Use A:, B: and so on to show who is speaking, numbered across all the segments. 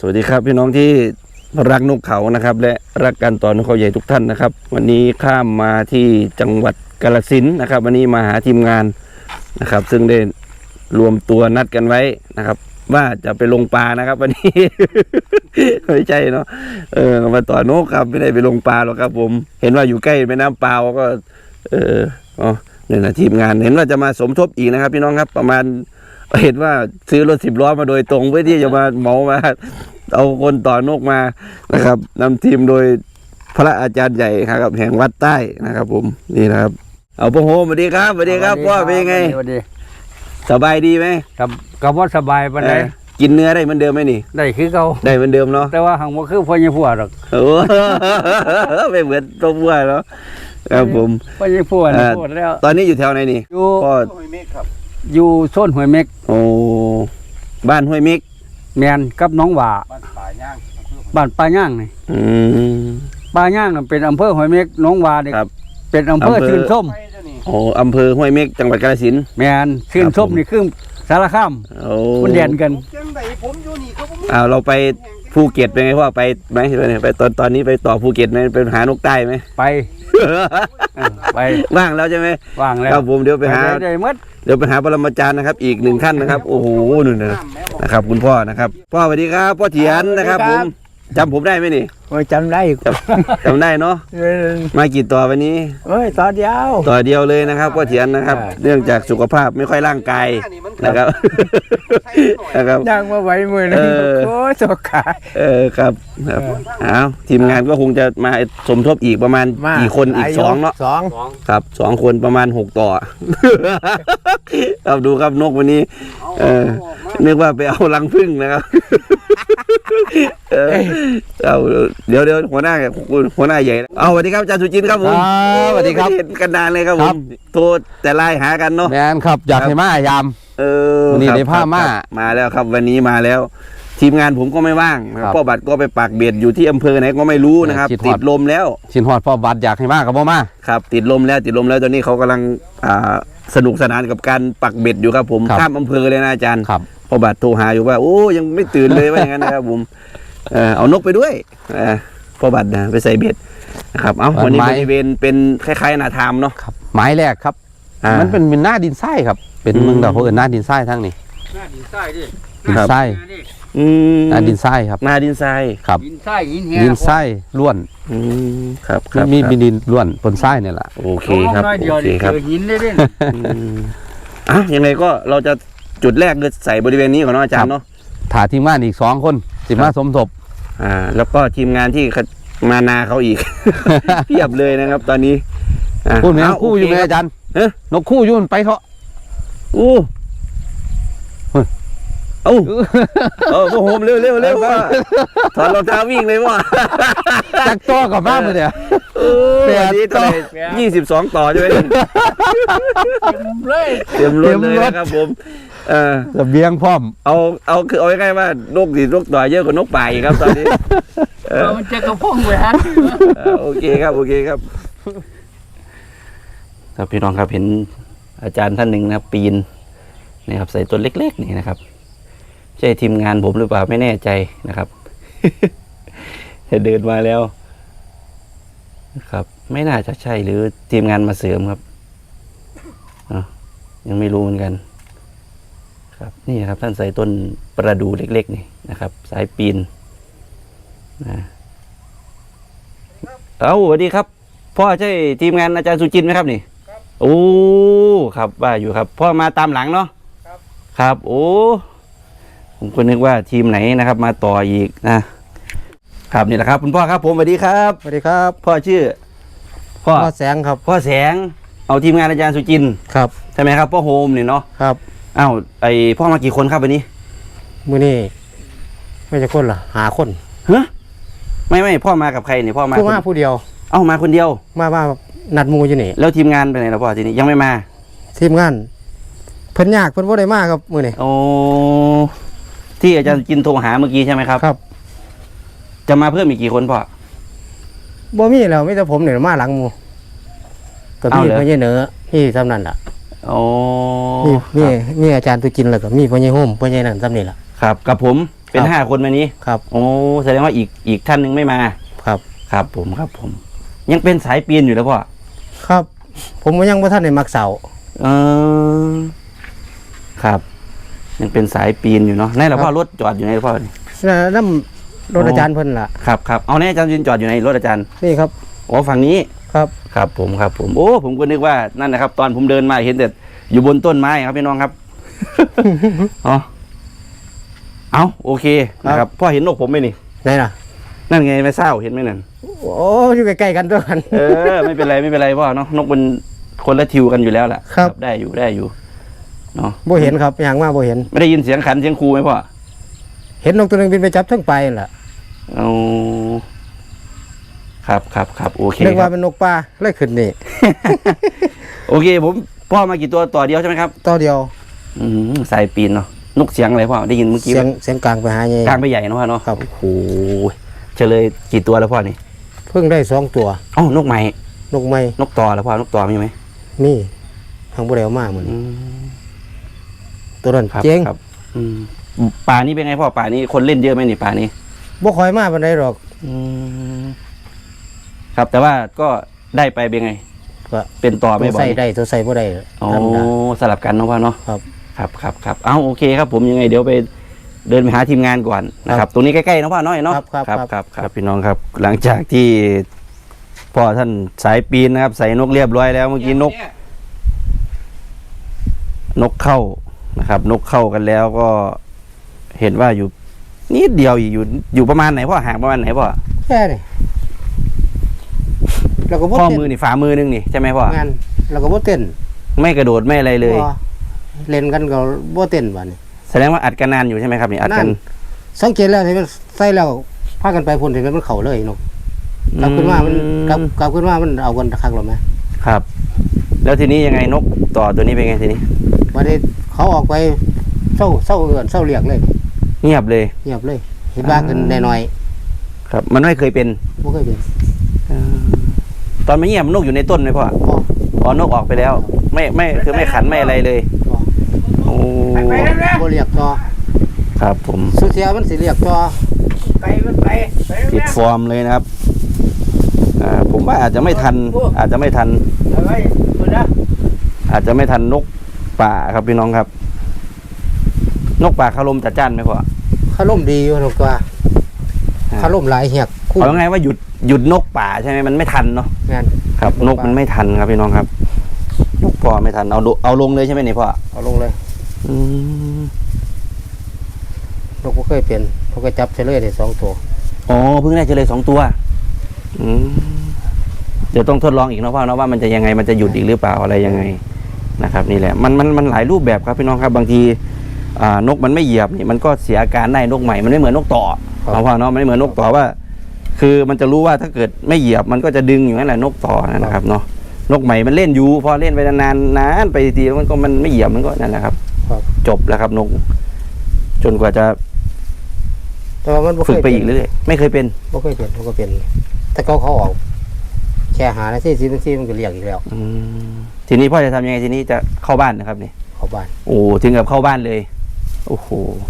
A: วัสดีครับพี่น้องที่รักนกเขานะครับและรักการต่อนกเขาใหญ่ทุกท่านนะครับวันนี้ข้ามมาที่จังหวัดกาฬสินธุ์นะครับวันนี้มาหาทีมงานนะครับซึ่งได้รวมตัวนัดกันไว้นะครับว่าจะไปลงปลานะครับวันนี้ ไม่ใช่เนาะมาต่อนกครับไม่ได้ไปลงปลาหรอกครับผมเห็นว่าอยู่ใกล้แม่น้ำเปล่าก็เนี่ยนะทีมงานเห็นว่าจะมาสมทบอีกนะครับพี่น้องครับประมาณเห็นว่าซื้อรถ10 ล้อมาโดยตรงเพื่อที่จะมาเหมามาเอาคนต่อนกมานะครับนำทีมโดยพระอาจารย์ใหญ่ครับแห่งวัดใต้นะครับผมนี่นะครับเอาพ่อโฮมสวัสดีครับสวัสดีครับพ่อเป็นไงสบายดีไหม
B: ครับกับว่าสบายปานใด
A: กินเนื้อได้เหมือนเดิมไหมนี่
B: ได้คือเก่า
A: ได้เหมือนเดิมเนาะ
B: แต่ว่าหังบ่คือพ่อใหญ่ผัวหรอก
A: ไม่เหมือนตัวผัวเนาะครับผม
B: พ่อใหญ่ผัวพูดแล้ว
A: ตอนนี้อยู่แถวไหนนี่
B: อยู่
A: พ่อ
B: อยู่โซนห้วยเม็ก
A: โอ้บ้านห้วยเม็ก
B: แมนกับน้องหว่าบ้านป่าย่างนี่ป่าย่างเป็นอำเภอห้วยเม็กน้องหว่านี่เป็นอำเภอชื่นส้ม
A: โอ้อำเภอห้วยเม็กจังหวัดกาฬสินธุ์
B: แมนชื่นส้มนี่คือสารคามมันเด่นกัน
A: เราไปภูเก็ตเป็นไงพ่อไปไหมไปตอนนี้ไปต่อภูเก็ตไหมไปหานกใต้ไหม
B: ไป
A: ว่างแล้วใช่ไหม
B: ว่างแล้ว
A: ครับผมเดี๋ยวไปหา
B: เดี๋ยว
A: ไปหาปรมาจารย์นะครับอีก1 ท่านนะครับโอ้โหนู่นนะครับคุณพ่อนะครับพ่อสวัสดีครับพ่อเถียนนะครับผมจำผมได้ไหมนี่
B: จำได้
A: จำได้เนาะมากี่ต่อวันนี้
B: ต่อเ
A: ดียวเลยนะครับพ่อเถียนนะครับเนื่องจากสุขภาพไม่ค่อยร่างกายนะครับ
B: ย่างมาไหวมือนึงโอ้สกขา
A: ครับทีมงานก็คงจะมาสมทบอีกประมาณกี่คนอีก2เนาะครับ2 คนประมาณ6 ต่อครับดูครับนกวันนี้นึกว่าไปเอารังผึ้งนะครับเดี๋ยวหัวหน้าใหญ่สวัสดีครับอาจารย์สุจินต์ครับผม
C: สวัสดีครับ
A: เห็นกันนานเลยครับผมโทรแต่ไลน์หากันเนาะ
C: แมนครับอยากให้มายามนี่ในผ้า
A: มาแล้วครับวันนี้มาแล้วทีมงานผมก็ไม่ว่างพ่อบัตรก็ไปปักเบ็ดอยู่ที่อำเภอไหนก็ไม่รู้นะครับติดลมแล้ว
C: ชินฮอดพ่อบัตรอยากให้มากับพ่อมา
A: ครับติดลมแล้วตอนนี้เขากำลังสนุกสนานกับการปักเบ็ดอยู่ครับผมข้ามอำเภอเลยนะอาจารย์พ่อบัตรโทรหาอยู่ว่าโอ้ยังไม่ตื่นเลยว่าอย่างนั้นนะครับผมเอานกไปด้วยพ่อบัตรนะไปใส่เบ็ดนะครับวันนี้บริเวณเป็นคล้ายๆนาทามเนาะ
C: หมายแรกครับมันเป็นหน้าดินทรายครับเป็นเมืองดาวเขาเอิ้นหน้าดินทรายทั้งนี้
B: หน้าดินทรายดิ
C: ดินทรายหน้าดินทรายครับ
A: หน้าดินทราย
C: ครับ
B: ดินทราย
C: ดินทรายล้วน
A: ครับ
C: มีดินล้วนบนทรายเนี่ยแหละ
A: โอเคครับโอเคครับ
B: หินได้ด้วย
A: ยังไงก็เราจะจุดแรกคือใส่บริเวณนี้ก่อนเนาะอาจารย์เนาะ
C: ถ่าทีมงานอีก2 คนสิมาสมทบ
A: แล้วก็ทีมงานที่มานาเขาอีกเพียบเลยนะครับตอนนี้
C: พูดไหมคู่อยู่ไหมอาจารย์นกคู่ยุ่นไปเถอะ
A: โหมเร็วว่าถอดรองเท้าวิ่งเลยว่า
C: จักต่อกับบ้านเลยเนี่ย
A: 22 ต่อใช่ไหมเต็มรถเลยนะครับผม
C: ระเบียงพร้อม
A: เอาคือเอาง่ายๆว่านกต่อเยอะกว่านกป่าอีกครับตอนนี้
B: มันจะกระพงเลยฮะ
A: โอเคครับครับพี่น้องครับเห็นอาจารย์ท่านหนึ่งนะครับปีนนี่ครับใส่ตัวเล็กๆนี่นะครับใช่ทีมงานผมหรือเปล่าไม่แน่ใจนะครับจะเดินมาแล้วครับไม่น่าจะใช่หรือทีมงานมาเสริมครับยังไม่รู้เหมือนกันครับนี่ครับท่านใส่ต้นประดู่เล็กๆนี่นะครับสายปีนสวัสดีครับพ่อใช่ทีมงานอาจารย์สุจินต์ไหมครับนี่โอ้ครับว่าอยู่ครับพ่อมาตามหลังเนาะครับโอ้ผมก็นึกว่าทีมไหนนะครับมาต่ออีกนะครับนี่แหละครับคุณพ่อครับผมสวัสดีครับ
C: สวัสดีครับ
A: พ่อชื่อ
C: พ่อแสงครับ
A: พ่อแสงเอาทีมงานอาจารย์สุจินต์
C: ครับ
A: ใช่ไหมครับพ่อโฮมเนี่ยเนาะ
C: ครับ
A: พ่อมากี่คนครับวันนี้
C: มื้อนี้ไม่จะคนหรอ5 คน
A: ไม่พ่อมากับใครเนี่ยพ่อมา
C: ผู้เดียว
A: มาคนเดียว
C: มานัดมูอยู่นี่
A: แล้วทีมงานไปไหนล่ะพ่อทีนี้ยังไม่มา
C: ทีมงานเพิ่นยากเพิ่นบ่ได้มาครับมื้อนี้
A: โอ้ที่อาจารย์กินโทรหาเมื่อกี้ใช่ไหมครับ
C: ครับ
A: จะมาเพิ่มอีกกี่คนพ่อ
C: บ่มีแล้วมีแต่ผมเนี่ยมาหลังมูก็มีพ่อใหญ่เหนือที่ซ้ำนั่นล่ะ
A: โอ้
C: มีอาจารย์ตุจินแล้วก็มีพ่อใหญ่โฮมพ่อใหญ่นั่นซ้ำนี่ล่ะ
A: ครับกับผมเป็น5 คนวันนี้
C: ครับ
A: โอ้แสดงว่าอีกท่านหนึ่งไม่มา
C: ครับ
A: ครับผมยังเป็นสายปีนอยู่แล้วพ่อ
C: ครับ ผมยังบ่ทันได้มักเสา
A: เออครับ ยังเป็นสายปีนอยู่เนาะนี่แหละพ่อรถจอดอยู่ไหนพ่อนี่
C: น้ำรถอาจารย์เพิ่นล่ะ
A: ครับเอาแน่อาจารย์ยืนจอดอยู่ในรถอาจารย์
C: นี่ครับ
A: อ๋อฝั่งนี้
C: ครับ
A: ครับผมโอ้ผมก็นึกว่านั่นนะครับ ตอนผมเดินมาเห็นแต่อยู่บนต้นไม้ครับพี่น้องครับ อ๋อเอาโอเคนะครับพ่อเห็นนกผมไหมนี่
C: ไหนล่ะ
A: นั่นไงไม่เศร้าเห็นไหมนั่น
C: โอ้อยู่ใกล้ๆกันด้วยกัน
A: ไม่เป็นไรพ่อเนาะนกมันคนละทิวกันอยู่แล้วล่ะ
C: ครับ
A: ได้อยู่เนาะ
C: บ่เห็นครับอย่างว่าบ่เห็น
A: ไม่ได้ยินเสียงขันเสียงครูไหมพ่อ
C: เห็นนกตัวหนึงบินไปจับทั้งไปนั่นล่ะ
A: เอาครับโอเค
C: นึก
A: ค
C: ว่า
A: รับ
C: เป็นนกป่าเลยขึ้นนี่
A: โอเคผมพ่อมากี่ตัวต่อเดียวใช่ไหมครับ
C: ตัวเดียว
A: สายปีนเนาะนกเสียงอะไรพ่อได้ยินเมื่อกี้
C: เสียงกลางไปหาใหญ่
A: กลางไปใหญ่เนาะพ่อเนาะ
C: ครับ
A: โอ้โหเฉลยกี่ตัวแล้วพ่อนี่
C: เพิ่งได้2 ตัว
A: อ๋อนกใหม่
C: นกไม้
A: นกต่อแล้วพ่อนกต่อมีไหม
C: นี่ทางบ่ได้เอามาเหมือน
A: อืม
C: ตัวนั้น
A: ครับ
C: เจ๋ง
A: ครับป่านี้เป็นไงพ่อป่านี้คนเล่นเยอะไหมนี่ป่านี้
C: บ่ค่อยมาปานใดหรอก
A: ครับแต่ว่าก็ได้ไปเป็นไง
C: ก็
A: เป็นต่อ
C: ตั
A: ไม่
C: ว
A: บ่อ
C: ใส่
A: ย
C: ได้ตัวใส่บ่ได้
A: โอ้
C: ธรรมดา
A: สลับกันเนาะพ่อเนาะ
C: ครับ
A: ครับเอาโอเคครับผมยังไงเดี๋ยวไปเดินไปหาทีมงานก่อนนะครับ ตรงนี้ใกล้ๆเนาะพ่อเนาะเนาะ ครับพี่น้องครับ หลังจากที่พ่อท่านสายปีนนะครับ ใส่นกเรียบร้อยแล้วเมื่อกี้นกเข้านะครับ นกเข้ากันแล้วก็เห็นว่าอยู่นิดเดียวอยู่ประมาณไหนพ่อห่างประมาณไหนพ่อ
C: แค่นี้แล้วก็บ่
A: ข้อ
C: เต้น
A: มือนี่ฝ่ามือนึงนี่ใช่ไหมพ่อง
C: านแล้วก็บ่เต้น
A: ไม่กระโดดไม่อะไรเลย
C: บ่เล่นกันก็บ่เต้นบัดนี้
A: แสดงว่าอัดกันนานอยู่ใช่ไหมครับนี่อัดกัน
C: สังเกตแล้วที่มันใส่แล้วพากันไปพุ่นที่มันเข้าเลยนกกลับขึ้นมามันกลับขึ้นมามันเอากันคักหรอมั้ย
A: ครับ แล้วทีนี้ยังไงนกต่อตัวนี้เป็นไงทีนี้
C: บัดนี้เขาออกไปเศร้าเอื้อนเศร้าเรียกเลย
A: เงียบเลย
C: เงียบเลยเห็นบ้ากันน้อย
A: ครับ มันไม่เคยเป็น
C: ๆบ่เคยเป็น
A: ตอนไม่เงียบนกอยู่ในต้นไหมพ่อ
C: บ่
A: อ๋อนกออกไปแล้ว ไม่คือไม่ขันไม่อะไรเลย
C: บ่
A: โอ้
C: บ่เรียกต่อ
A: ครับผม
C: สุเทียมันสิเรียกต่อ
A: ติดฟอร์มเลยนะครับผมว่าอาจจะไม่ทัน อาจจะไม่ทันนกป่าครับพี่น้องครับ นกป่าคารมจัดจ้านไหมพ่อ
C: คารมดีอยู่นกว่าคารมหลายเหียกคู่
A: เอาไงว่าหยุดนกป่าใช่ไหมมันไม่ทันเนาะ
C: งาน
A: ครับ นกมันไม่ทันครับพี่น้องครับนกพ่อไม่ทันเอาลงเลยใช่ไหมนี่พ่อ
C: เอาลงเลย
A: อืม
C: นกบ่เคยเป็นเขาก็จับเฉลยได้2 ตัว
A: อ๋อเพิ่งได้เจอเลย2 ตัวอืมเดี๋ยวต้องทดลองอีกเนาะพ่อเนาะว่ามันจะยังไงมันจะหยุดอีกหรือเปล่าอะไรยังไงนะครับ นี่แหละมันหลายรูปแบบครับพี่น้องครับบางทีนกมันไม่เหยียบนี่มันก็เสียอาการได้นกใหม่มันไม่เหมือนนกต่อเอาพ่อเนาะมันไม่เหมือนนกต่อว่า คือมันจะรู้ว่าถ้าเกิดไม่เหยียบมันก็จะดึงอยู่นั่นแหละนกต่อนะครับเนาะนกใหม่มันเล่นอยู่พอเล่นไปนานไปทีแล้วมันไม่เหยียบมันก็นั่นแหละครับ
C: ครับ
A: จบแล้วครับนก จนกว่าจะ
C: แต่ว่ามันบ่เค
A: ฝึก
C: ย
A: ไปอีกเรื่อยๆไม่เคยเป็น
C: บ่เคยเป็นเขาก็เป็นแต่เขาออกแค่หานาที10 นาทีมันก็เรียกอีกแล้ว
A: ทีนี้พ่อจะทำยังไงทีนี้จะเข้าบ้านนะครับนี่
C: เข้าบ้าน
A: โอ้ถึงกับเข้าบ้านเลยโอ้โห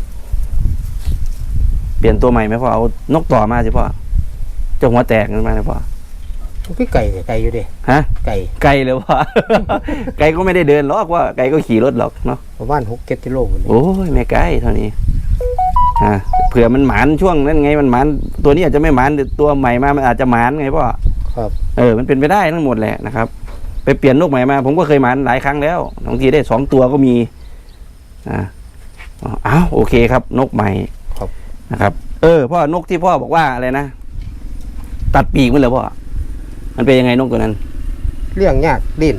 A: เปลี่ยนตัวใหม่ไหมพ่อเอานกต่อมาสิพ่อเจ้าหัวแตกนั่นมาเลยพ่อ
C: พี่ไก่อยู่ดิ
A: ฮะ
C: ไก่
A: ไกลเลยพ่อ ไกลก็ไม่ได้เดินหรอกว่าไกลก็ขี่รถหรอกเนาะ
C: ประมาณ6-7 กิโลพุ่นนี่
A: โอ้ยไม่ไกลเท่านี้เผื่อมันหมานช่วงนั้นไงมันหมานตัวนี้อาจจะไม่หมานแต่ตัวใหม่มามันอาจจะหมานไงพ่อ
C: ครับ
A: มันเป็นไปได้ทั้งหมดแหละนะครับ ไปเปลี่ยนนกใหม่มา ผมก็เคยหมานหลายครั้งแล้วบางทีได้2 ตัวก็มีอ้าวโอเคครับ นกใหม่
C: ครับ
A: นะครับพ่อนกที่พ่อบอกว่าอะไรนะตัดปีกมันเหรอพ่อมันเป็นยังไงนกตัวนั้น
C: เลี้ยงยากดิ้น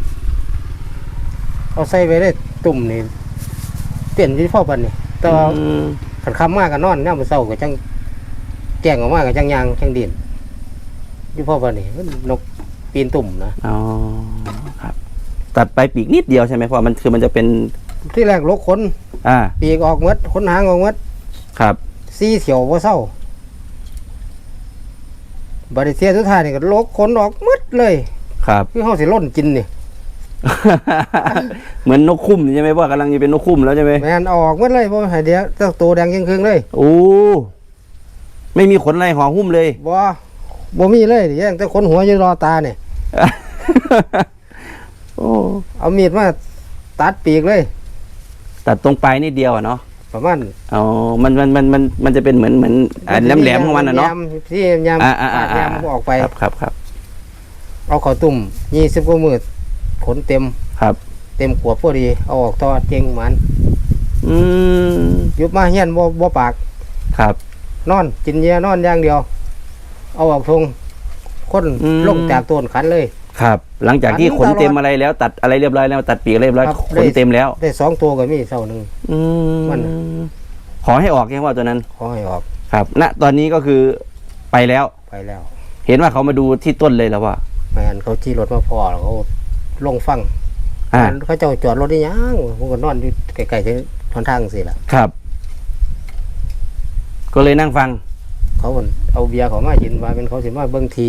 C: เอาใส่ไว้ได้ตุ่มนี่เต้นที่พ่อปันนี่แต่ว่าขันคำมากกันนอนย่ามมื้อเช้าก็จังแจ้งออกมาก็จังยางจังดิ้นที่พ่อปันนี่มันนกปีนตุ่มนะ
A: อ๋อครับ ตัดไปปีกนิดเดียวใช่ไหมพ่อมันคือมันจะเป็น
C: ที่แรกลกขน ปีกออกหมดขนหางออกหมด
A: ครับ
C: สีเขียวบ่เศร้าบริเทียสุดท้ายนี่ก็ลกขนออกหมดเลย
A: ครับ
C: คือเฮาสิล่นกินนี่
A: เหมือนนกคุ้มใช่ไหมพ่อกำลังจะเป็นนกคุ้มแล้วใช่ไหม
C: แม่นเอาออกหมดเลยบ่ให้เดี๋ยวเจ้าตัวแดงยิ่งครึ่งเลย
A: โอ้ไม่มีขนอะไรห่อหุ้มเลย
C: บ่มีเลยเดี๋ยวแต่ขนหัวอยู่รอตาเนี่ย
A: โอ้
C: เอามีดมาตัดปีกเลย
A: ตัดตรงปลายนิดเดียวอะเนาะ
C: ประมาณ
A: อ๋อมันจะเป็นเหมือนแหลมๆของมันอะเนาะ
C: ยำที่ยำ
A: อ่า
C: ปาดยำออกไป
A: ครับ
C: เอาเข้าตุ่ม20กว่ามื้อขนเต็ม
A: ครับ
C: เต็มขวบพอดีเอาออกต่อเจงมัน
A: อืม
C: ยุบมาเฮียนบ่ปาก
A: ครับ
C: นอนกินเยียนอนอย่างเดียว เอาออกทงคน
A: อืม
C: ลงจากต้นขันเลย
A: ครับ หลังจากที่
C: อันนี้
A: ขนเต็ม
C: ตลอด
A: อะไรแล้ว ตัดอะไรเรียบร้อยแล้วตัดปีกเรียบร้อย
C: ครับ
A: ขนเต็มแล้ว
C: ได้2ตัวก็มีเท่านึง
A: อืม
C: มัน
A: ขอให้ออกยังว่าตัวนั้น
C: ขอให้ออก
A: ครับ ณ ตอนนี้ก็คือไปแล้ว
C: ไปแล้ว
A: เห็นว่าเขามาดูที่ต้นเลยแล้วว่า
C: แม่นเขาจี้รถมาพอแล้วเขาลงฟัง
A: อ่า
C: เขาเจ้าจอดรถได้ยังผมก็นอนอยู่ไกลๆที่ทางสิล่ะ
A: ครับ ก็เลยนั่งฟัง
C: เขาก็เอาเบียร์เขามากินว่าเป็นเขาสิมาเบิ่งที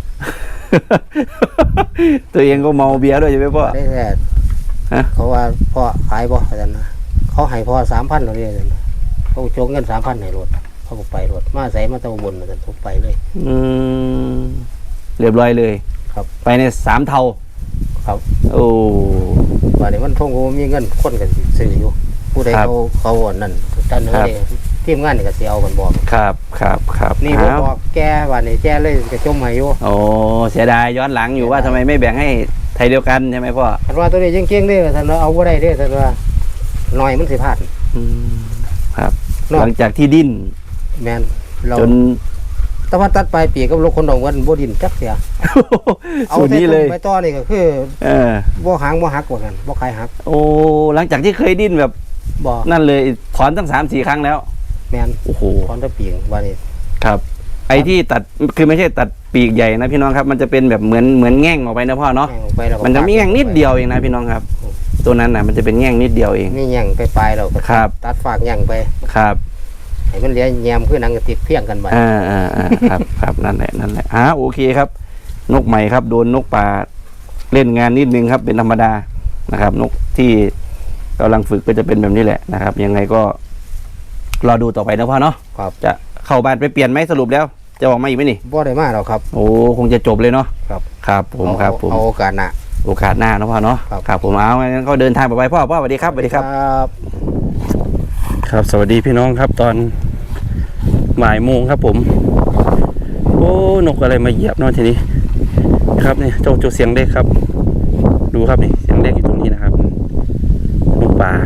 A: ตัวเองก็เมาเบียร์ด้วยใช่ไหมพ่อ
C: ได้แต่
A: ฮะ
C: เขาว่าพ่อขายบ่อาจารย์นะเขาให้พ่อ 3,000แล้วเนี่ยอาจารย์นะเขาโจกเงิน 3,000ให้รถเขาก็ไปรถมาใส่มาตะบนอาจารย์ผมไปเลย
A: อืมเรียบร้อยเลย
C: ครับ
A: ไปใน3 เท่า
C: ครับ
A: โอ้
C: ว่านี่มันทงก็มีเงินคนก็สิซื้ออยู่ผู้ใด
A: ครับ
C: เขาอันนั่นท่านเนื้อนี่ทีมงานนี่ก็สิเอากันบอก
A: ครับ
C: นี่บ่
A: อ้าว
C: บอกแกว่านี่แกเลยก็จมให้อยู่
A: โอ้เสียดายย้อนหลังอยู่ว่าทำไมไม่แบ่งให้ไทยเดียวกันใช่ไหมพ่อ
C: คันว่าตัวนี้เก่งๆเด้อท่านว่าเอาบ่ได้เด้อท่านว่าน้อยมันสิพลาด
A: อืมครับ
C: เนาะ
A: หลังจากที่ดิ้น
C: แม่นเรา
A: จน
C: แต่ว่าตัดปลายปีกกับรถคนดองกันบ่ดินจักเสียเอา
A: สูตร
C: แต่
A: นี้เลย
C: ไปต่อนี่ก็คือ
A: เออ
C: บ่หางบ่หักว่ากันบ่คายหัก
A: โอ้หลังจากที่เคยดิ้นแบบ
C: บ่
A: นั่นเลยถอนตั้ง3-4 ครั้งแล้ว
C: แม่น
A: โอ้โห
C: ถอนแตะปีกว่านี่
A: ครับ ไอ้ที่ตัดคือไม่ใช่ตัดปีกใหญ่นะพี่น้องครับ มันจะเป็นแบบเหมือนแง่งออกไปนะพ่อเนาะ
C: แม่งออกไปแล้วก็
A: มันจะมีแง่งนิดเดียวเองนะพี่น้องครับ ตัวนั้นน่ะมันจะเป็นแง่งนิดเดียวเอง
C: มีหยังไปปลายแล้วก็
A: ครับ
C: ตัดฝากหยังไป
A: ครับ
C: ให้มันเหลือแยมคือหนังกระติกเพียงกันไป
A: ครับนั่นแหละโอเคครับ นกใหม่ครับ โดนนกป่าเล่นงานนิดนึงครับ เป็นธรรมดานะครับ นกที่กำลังฝึกก็จะเป็นแบบนี้แหละนะครับ ยังไงก็รอดูต่อไปนะพ่อเนาะ
C: ครับ
A: จะเข้าบ้านไปเปลี่ยนไหมสรุปแล้ว จะออกมาอีกไหมนี่
C: บ่ได้มาหรอกครับ
A: โอ้คงจะจบเลยเนาะ
C: ครับ
A: ครับผมครับผม
C: เอาโอกาสหน้า
A: โอกาสหน้านะพ่อเนาะ
C: ครับ
A: ครับผมเอางั้นก็เดินทางไปพ่อสวัสดีครับสวัสดีครับ
C: ครับ
A: ครับสวัสดีพี่น้องครับตอนบ่ายโมงครับผม โอ้นกอะไรมาเหยียบเนาะทีนี้ครับนี่เจ้าเสียงเล็กครับ ดูครับนี่เสียงเล็กอยู่ตรงนี้นะครับนกป่า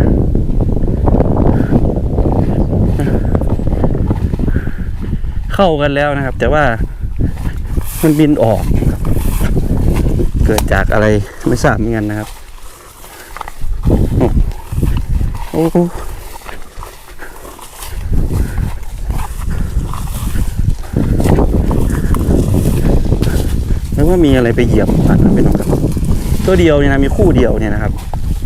A: เข้ากันแล้วนะครับ แต่ว่ามันบินออก เกิดจากอะไรไม่ทราบเหมือนกันนะครับโอ้โหแล้วว่ามีอะไรไปเหยียบมันนะพี่น้องครับตัวเดียวเนี่ยนะมีคู่เดียวเนี่ยนะครับ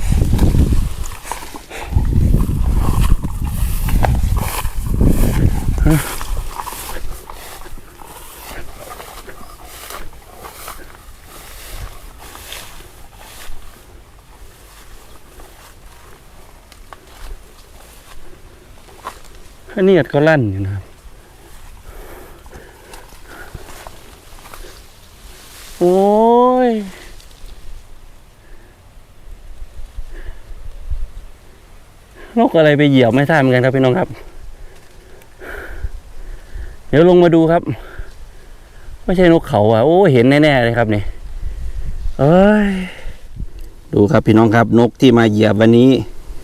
A: อันนี้ก็ลั่นอยู่นะครับโอ้ยนกอะไรไปเหยียบไม่ทราบเหมือนกันครับพี่น้องครับ เดี๋ยวลงมาดูครับไม่ใช่นกเขาอ่ะโอ้เห็นแน่ๆเลยครับนี่เอ้ยดูครับพี่น้องครับนกที่มาเหยียบวันนี้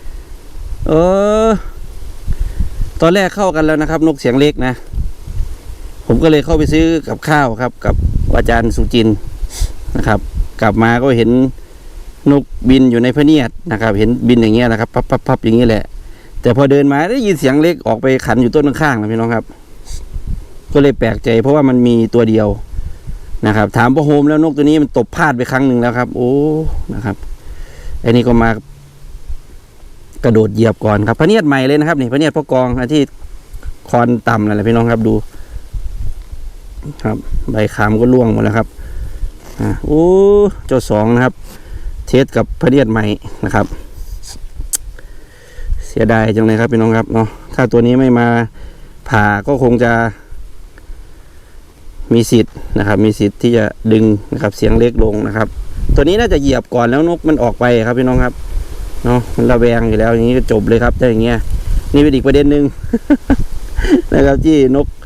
A: ตอนแรกเข้ากันแล้วนะครับ นกเสียงเล็กนะผมก็เลยเข้าไปซื้อกับข้าวครับกับอาจารย์สุจินต์นะครับ กลับมาก็เห็นนกบินอยู่ในพะเนียดนะครับ เห็นบินอย่างเงี้ยนะครับพับอย่างนี้แหละแต่พอเดินมาได้ยินเสียงเล็กออกไปขันอยู่ต้นข้างๆนะพี่น้องครับ ก็เลยแปลกใจเพราะว่ามันมีตัวเดียวนะครับ ถามพ่อโฮมแล้วนกตัวนี้มันตบพลาดไปครั้งหนึ่งแล้วครับ โอ้นะครับไอ้นี่ก็มากระโดดเหยียบก่อนครับพะเนียดใหม่เลยนะครับนี่พะเนียดพ่อกองที่คอนต่ำนั่นแหละพี่น้องครับดูครับใบขามก็ร่วงหมดแล้วครับโอ้เจ้าสองนะครับเทสกับพะเนียดใหม่นะครับ เสียดายจังเลยครับพี่น้องครับเนาะถ้าตัวนี้ไม่มาผ่าก็คงจะมีสิทธิ์นะครับ มีสิทธิ์ที่จะดึงนะครับเสียงเล็กลงนะครับ ตัวนี้น่าจะเหยียบก่อนแล้วนกมันออกไปครับพี่น้องครับเนาะมันระแวงอยู่แล้วอย่างนี้ก็จบเลยครับถ้าอย่างเงี้ยนี่เป็นอีกประเด็นหนึ่ง นะครับที่นก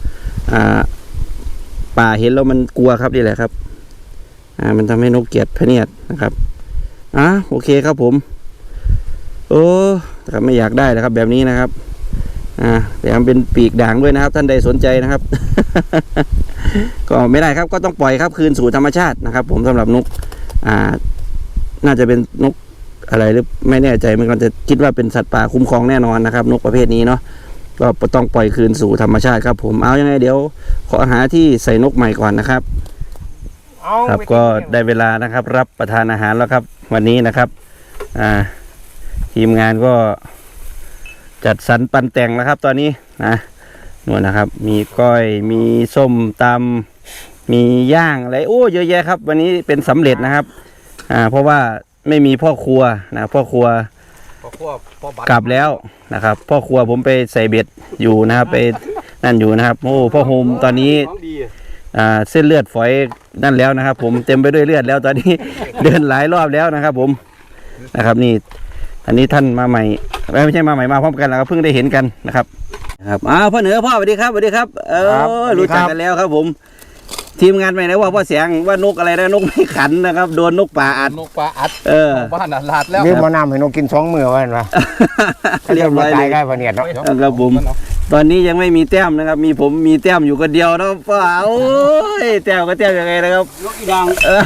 A: ป่าเห็นแล้วมันกลัวครับนี่แหละครับมันทำให้นกเกลียดพะเนียดนะครับโอเคครับผมโอ้แต่ไม่อยากได้นะครับแบบนี้นะครับแต่มันเป็นปีกด่างด้วยนะครับท่านใดสนใจนะครับ ก็ไม่ได้ครับก็ต้องปล่อยครับคืนสู่ธรรมชาตินะครับ ผมสำหรับนกน่าจะเป็นนกอะไรหรือไม่แน่ใจมันก็จะคิดว่าเป็นสัตว์ป่าคุ้มครองแน่นอนนะครับนกประเภทนี้เนาะก็ต้องปล่อยคืนสู่ธรรมชาติครับผมเอายังไงเดี๋ยวขอหาที่ใส่นกใหม่ก่อนนะครับครับก็ได้เวลานะครับรับประทานอาหารแล้วครับวันนี้นะครับทีมงานก็จัดสรรปันแต่งแล้วครับตอนนี้นู่นนะครับมีก้อยมีส้มตำมีย่างอะไรโอ้เยอะแยะครับวันนี้เป็นสำเร็จนะครับเพราะว่าไม่มีพ่อครัวนะพ่อครัวกลับแล้วนะครับพ่อครัวผมไปใส่เบ็ดอยู่นะครับไปนั่นอยู่นะครับโอ้พ่อโฮมตอนนี้เส้นเลือดฝอยนั่นแล้วนะครับ ผมเต็มไปด้วยเลือดแล้วตอนนี้ เดินหลายรอบแล้วนะครับ ผมนะครับนี่อันนี้ท่านมาใหม่ไม่ใช่มาใหม่มาพร้อมกันแล้วเพิ่งได้เห็นกันนะครับพ่อเหนือพ่อสวัสดีครับสวัสดีครับรู้จักกันแล้วครับผมทีมงานไปไหนว่าพ่อเสียงว่านกอะไรนะนกไม่ขันนะครับโดนนกป่าอัด
C: บ้านลาดแล้ว
B: เรียกมานำให้นกกิน2 มื้อว่าเห็นปะ
A: เรียบร้อยเลย
B: ได้พะเนียดเนาะ
A: ครับผมตอนนี้ยังไม่มีแต้มนะครับผมมีแต้มอยู่คนเดียวนะพ่อโอ้ยแต้มก็แต้มยังไงนะครับ
B: นกอีดัง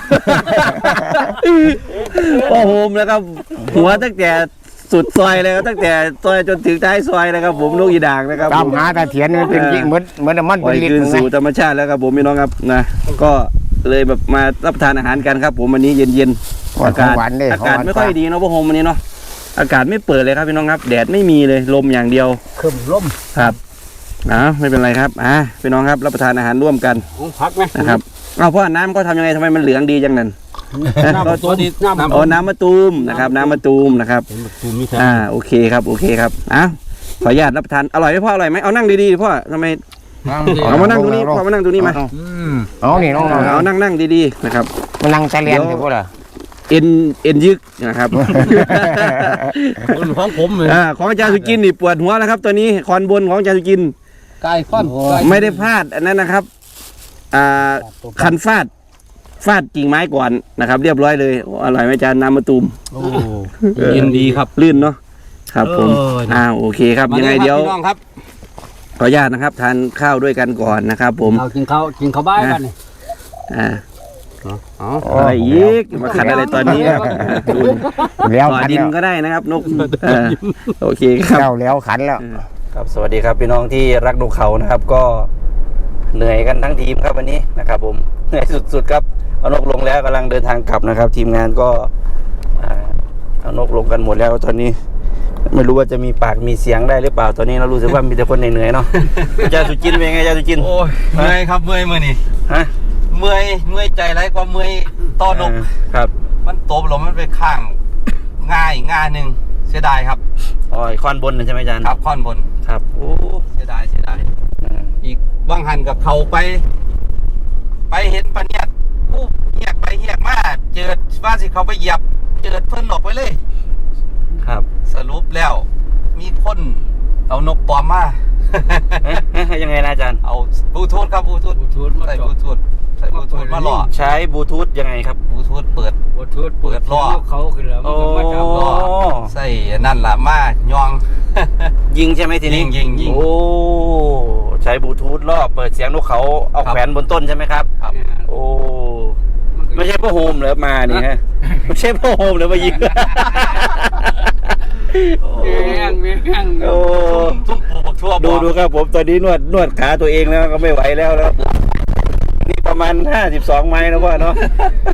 A: พ่อโฮมนะครับหัวตั้งแต่สุดซอยเลยครับตั้งแต่ซอยจนถึงท้ายซอยนะครับผมนกอีด่างนะครับ
B: ตามหาตาเถียนมันเป็นเหมือนมันเป็นลิ้น
A: คืนสู่ธรรมชาติแล้วครับผมพี่น้องครับนะก็เลยแบบมารับประทานอาหารกันครับผมวันนี้เย็นๆอากาศไม่ค่อยดีเนาะพ่อโฮมวันนี้เนาะอากาศไม่เปิดเลยครับพี่น้องครับแดดไม่มีเลยลมอย่างเดียว
B: ขึ้นลม
A: ครับไม่เป็นไรครับพี่น้องครับรับประทานอาหารร่วมกัน
B: พักไหม
A: นะครับพ่อน้ำก็ทำยังไงทำไมมันเหลืองดีจังนั้นน้ำมะตูมนะครับน้ำมะตูมนะครับโอเคครับโอเคครับขออนุญาตรับประทานอร่อยไหมพ่ออร่อยไหมเอานั่งดีๆพ่อทำไมเอามานั่งตรงนี้พ่อมานั่งตรงนี้มา
B: นี่น้อง
A: เอานั่งดีๆนะครับ
B: มานั่งใจเรียนอยู่พ่อล่ะ
A: เอ็นยึกนะครับ
B: ของผมเลย
A: ของอาจารย์สุกินนี่ปวดหัวนะครับตัวนี้คอนบนของอาจารย์สุกิน
B: กายค่อน
A: ไม่ได้พลาดอันนั้นนะครับคันฟาดกิ่งไม้ก่อนนะครับเรียบร้อยเลยอร่อยไหมอาจารย์น้ำมะตูม
B: เย็นดีครับ
A: ลื่นเนาะครับผมโอเคครับยังไงเดี๋ยวขออนุญาตนะครับทานข้าวด้วยกันก่อนนะครับผม
B: กินข้าวบ้านกัน
A: อะไรอีกมาขัดอะไรตอนนี้ครับ
B: แล้ว
A: ขัดดินก็ได้นะครับนกโอเคครับ
B: แล้วขันแล้ว
A: ครับสวัสดีครับพี่น้องที่รักนกเขานะครับก็เหนื่อยกันทั้งทีมครับวันนี้นะครับผมเหนื่อยสุดๆครับเอานกลงแล้วกำลังเดินทางกลับนะครับทีมงานก็เอานกลงกันหมดแล้วตอนนี้ไม่รู้ว่าจะมีปากมีเสียงได้หรือเปล่าตอนนี้เรารู้สึกว่ามีแต่คนเหนื่อยๆเนาะอาจารย์สุจินเป็นไงอาจารย์สุจิน
D: โอ้ยเมื่อยครับเมื่อยนี่เมื่อยใจไรกว่าเมื่อยต้อนนก
A: ครับ
D: มันโตบลมมันไปข้างง่ายหนึ่งเสียดายครับ
A: คอนบนใช่ไหมอาจารย์
D: ครับคอนบน
A: ครับโอ้
D: เสียดายอีกว่างหันกับเขาไปเห็นปะเนี่ยเหียกไปเหียกมาเจอว่าสิเขาไปเหยียบเจอเพิ่นออกไปเลย
A: ครับ
D: สรุปแล้วมีคนเอานกปลอมมา
A: ยังไงนะอาจารย์
D: เอาบลูทูธครับบลูทูธใส่บลูทูธมาหล่อ
A: ใช้บลูทูธยังไงครับ
D: บลูทูธเปิดล่อ
B: เขาขึ้นแล้ว
D: มาจับล่อใส่นั่นล่ะมายอง
A: ยิงใช่ไหมทีนี้
D: ยิง
A: โอ้ใช้บลูทูธล่อเปิดเสียงนกเขาเอาแขวนบนต้นใช่ไหมครับ
D: ครับ
A: โอ้ไม่ใช่พ่อโฮมเหรอมานี่ฮะไม่ใช่พ่อโฮมเหรอมายิง
D: โอ้ทุ่มปลูกทั่ว
A: ดูครับผมตอนนี้นวดขาตัวเองแล้วก็ไม่ไหวแล้วนี่ประมาณ52 ไม้นะพ่อเนาะ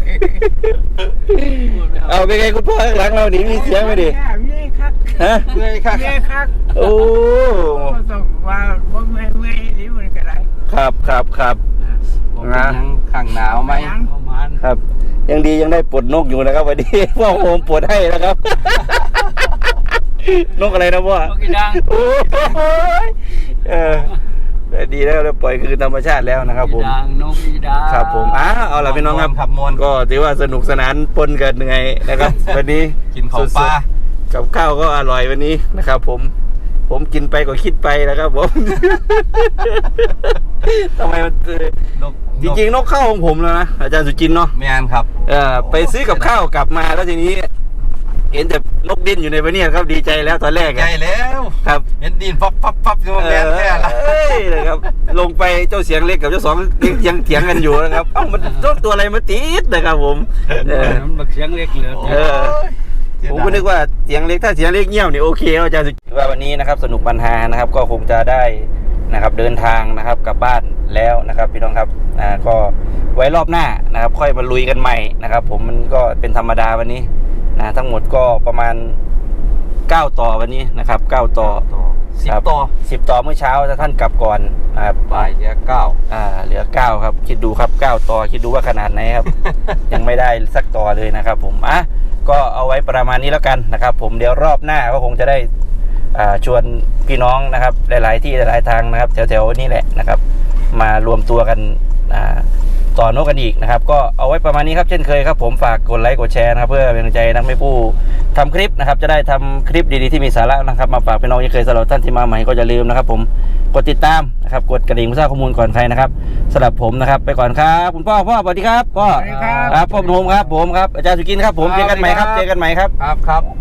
A: เอาเป็นไงคุณพ่อข้างหลังเราหนีมีเสียงไหมดิ
D: ฮะเมื่อย
B: ครับ
A: โอ้
B: ต้องว่าเมื่อยหรือมันก็ได้
A: ครับ
D: ข้างหนาวไหม
A: ครับยังดียังได้ปลดนกอยู่นะครับวันนี้ พ่อโฮมปลดให้นะครับ นกอะไรนะพ่อน
B: กอีดัง
A: โอ้ยแต่ดีแล้วเราปล่อยคืนธรรมชาติแล้วนะครับผม
B: อีดังนกอีดัง
A: ครับผมเอาล่ะพี่น้องครับ
D: ขับมวน
A: ก็ถือว่าสนุกสนานปนกันยังไงนะครับ วันนี้
D: กินของปลา
A: กับข้าวก็อร่อยวันนี้นะครับ ผมกินไปก็คิดไปนะครับผม ทำไมมัน
D: นก
A: จริงๆนกเข้าของผมแล้วนะอาจารย์สุจินต์เนาะ
D: แมนครับ
A: ไปซื้อกับข้าวกลับมาแล้วทีนี้ เห็นแต่นกดิ้นอยู่ในพะเนียดครับดีใจแล้วตอนแรก
D: ใหญ่แล้ว
A: ครับ
D: เห็นดินพับอยู่แมนแท้ละ
A: นะครับ ลงไปเจ้าเสียงเล็กกับเจ้าสองยังเถียงกันอยู่นะครับเอ้ามันตัวอะไรมาติดนะครับผม
B: มันบักเสียงเล็กเหลือ
A: เออ ผมก็นึกว่าเสียงเล็กถ้าเสียงเล็กเงียบนี่โอเคแล้วอาจารย์สุจินต์ว่าวันนี้นะครับ สนุกปัญหานะครับ ก็คงจะได้นะครับเดินทางนะครับกลับบ้านแล้วนะครับพี่น้องครับก็ไว้รอบหน้านะครับ ค่อยมาลุยกันใหม่นะครับ ผมมันก็เป็นธรรมดาวันนี้นะทั้งหมดก็ประมาณ9ต่อวันนี้นะครับ9ต่อ
D: 10
A: ครับ
D: ต่อ
A: 10ต่อเมื่อเช้าถ้าท่านกลับก่อนนะครับ
D: บ่ายเหลือ9
A: เหลือ9ครับคิดดูครับ9ต่อคิดดูว่าขนาดไหนครับ ยังไม่ได้สักต่อเลยนะครับ ผมก็เอาไว้ประมาณนี้แล้วกันนะครับ ผมเดี๋ยวรอบหน้าก็คงจะได้ชวนพี่น้องนะครับหลายๆที่หลายๆทางนะครับแถวๆนี้แหละนะครับ มารวมตัวกันต่อนกกันอีกนะครับ ก็เอาไว้ประมาณนี้ครับเช่นเคยครับผมฝากกดไลค์กดแชร์นะครับเพื่อเป็นกำลังใจนักไม่ผู้ทำคลิปนะครับจะได้ทำคลิปดีๆที่มีสาระนะครับมาฝากพี่น้องยังเคยสำหรับท่านที่มาใหม่ก็อย่าลืมนะครับ ผมกดติดตามนะครับกดกระดิ่งเพื่อทราบข้อมูลก่อนใครนะครับสำหรับผมนะครับไปก่อนครับคุณพ่อสวัสดีครับพ่อครับพ่อหนุ่มครับผมครับอาจารย์สุกินครับผมเจอกันใหม่ครับ
D: ครับ